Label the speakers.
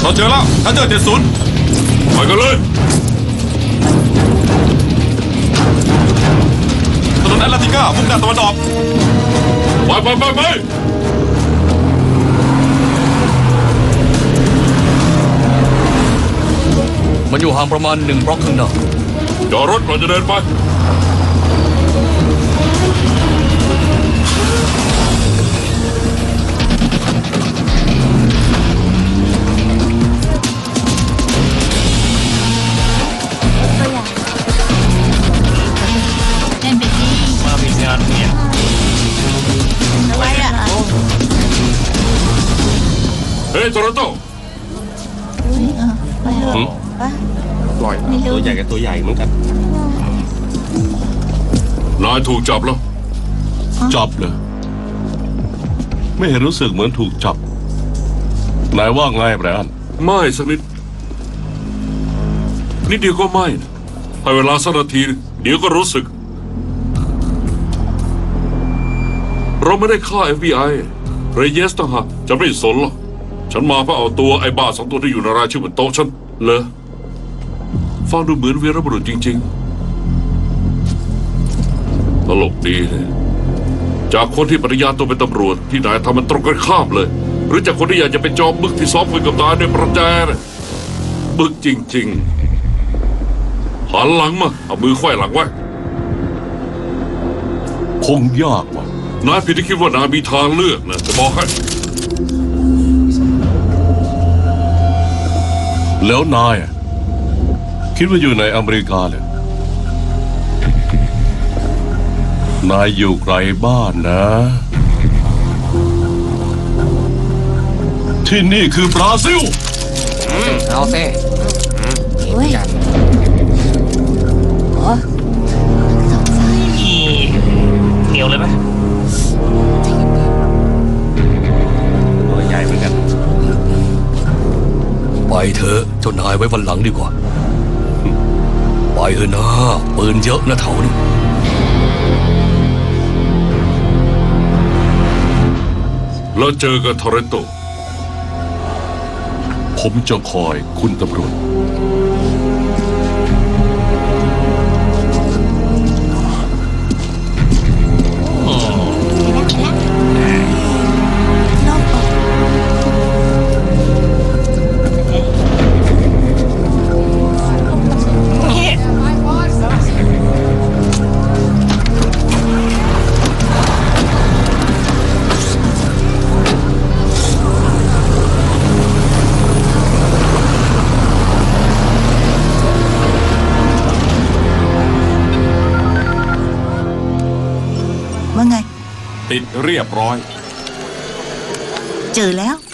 Speaker 1: เราเจอแล้วทันเจอ70ไปกันเลยถนนแอตแลนติก้ามุ่งหน้าตะวันออกไป
Speaker 2: มันอยู่ห่างประมาณ1 บล็อกข้างหน้า
Speaker 1: จอดรถก่อนจะเดินไป
Speaker 3: เล่นไปสิมามีงานเนี่ยอะไรอ่ะ
Speaker 1: เฮ้ยโตโรโต้
Speaker 4: ปล่อยตัวใหญ่กับตัวใหญ่เหมือนกัน
Speaker 1: นายถูกจับแล้ว
Speaker 5: จับเลยไม่เห็นรู้สึกเหมือนถูกจับนายว่าไงแบรนด์
Speaker 1: ไม่สักนิดนิดเดียวก็ไม่นะให้เวลาสักนาทีเดี๋ยวก็รู้สึกเราไม่ได้ฆ่า FBI เรเยสต่างหากจะไม่สนหรอกฉันมาเพื่อเอาตัวไอ้บ้า2 ตัวที่อยู่ในรายชื่อบนโต๊ะฉันเลยฟังดูเหมือนวีรบุรุษจริงๆตลกดีเลยจากคนที่ปฏิญาณตัวเป็นตำรวจที่นายทำมันตรงกันข้ามเลยหรือจากคนที่อยากจะเป็นจอมบึกที่ซ้อมคุยกับนายด้วยประแจนะบึกจริงๆหันหลังมาเอามือไขว้หลังไว้
Speaker 5: คงยากว่ะ
Speaker 1: นายผิดที่คิดว่านายมีทางเลือกนะจะบอกให้
Speaker 5: แล้วนายคิดว่าอยู่ในอเมริกาเลยนายอยู่ไกลบ้านนะที่นี่คือบราซิล
Speaker 4: เอาเซ่
Speaker 3: เฮ้ย
Speaker 2: เหนียวเลยไหม
Speaker 4: ตัวใหญ่เหมือนกัน
Speaker 2: ไปเถอะเจ้านายไว้วันหลังดีกว่าไปเถอะนะปืนเยอะนะแถวนี้
Speaker 1: แล้วเจอกับทอร์เรนโต
Speaker 5: ผมจะคอยคุณตำรวจ
Speaker 3: ว่าไง
Speaker 1: ติดเรียบร้อย
Speaker 3: เจอแล้ว